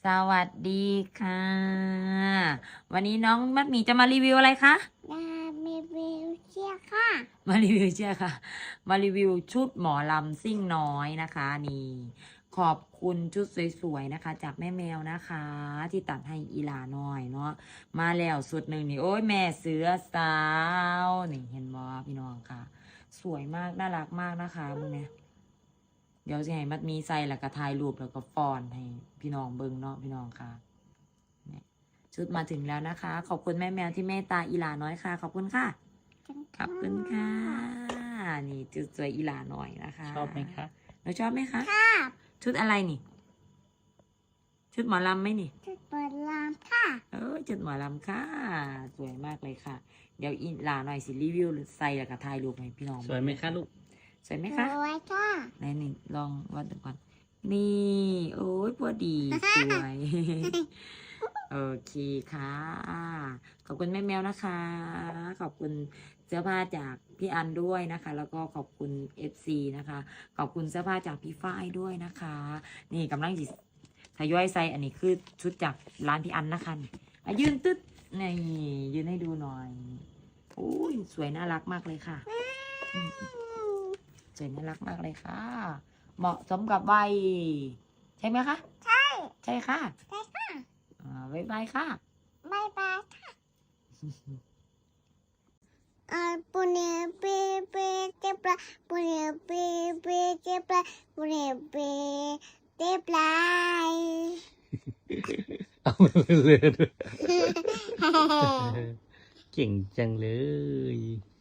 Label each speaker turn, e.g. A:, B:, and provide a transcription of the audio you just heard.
A: สวัสดีค่ะ วันนี้น้องมัดหมี่จะมารีวิวอะไรคะ
B: ดามีวิวเชียร์ค่ะ
A: มารีวิวเชียค่ะ มารีวิวชุดหมอลำซิ่งน้อยนะคะนี่ขอบคุณชุดสวยๆนะคะ จากแม่แมวนะคะ ที่ตัดให้อีหลาน้อยเนาะมาแล้วสุดหนึ่งนี่โอ้ยแม่เสือสาวนี่เห็นบ่พี่น้องค่ะ สวยมากน่ารักมากนะคะมึงเนี่ยเดี๋ยวจะให้มัดหมีใส่แล้วก็ถ่ายรูปแล้วก็ฟอนให้พี่น้องเบิ่งเนาะพี่น้องค่ะเนี่ยชุดมาถึงแล้วนะคะ ขอบคุณแม่แมวที่เมตตาอีหลาน้อยค่ะ ขอบคุณค่ะ ขอบคุณค่ะ นี่จุดสวยอีหลาหน่อยนะคะ
C: ชอบไหมคะ
A: เราชอบไหมคะ
B: ค่ะ
A: ชุดอะไรนี่ ชุดหมอลำไหมนี่
B: จะเปิดร้านค่ะ
A: ชุดหมอลำค่ะ สวยมากเลยค่ะ เดี๋ยวอีหลาหน่อยสิรีวิวหรือใส่แล้วก็ถ่ายรูปให้พี่น้อง
C: สวยไหมคะลูก
A: สวยไหม
B: ส
A: คะ
B: วยค่ะ
A: ไหนนี่ลองวัดดูก่อน นี่ โอ้ยพอดี สวย โอเคค่ะ ขอบคุณแม่แมวนะคะ ขอบคุณเสื้อผ้าจากพี่อันด้วยนะคะ แล้วก็ขอบคุณ FC นะคะ ขอบคุณเสื้อผ้าจากพี่ฝ้ายด้วยนะคะ นี่กำลังจิทยอยใส่อันนี้คือชุดจากร้านพี่อันนะคะนี่ยืนตึ๊ดนี่ยืนให้ดูหน่อยโอ้ยสวยน่ารักมากเลยค่ะอืมสวยน่ารักมากเลยค่ะ เหมาะสมกับวัยใช่ไหมคะ
B: ใช่
A: ใช่ค่ะ
B: ใช่ค่ะ
A: บ๊ายบายค่ะ
B: บายบายค่ะปุเนเปเปเตปลาปุเนเปเปเตปลาปุเนเปเตปลา
C: เอาเลยด้วย เก่งจังเลย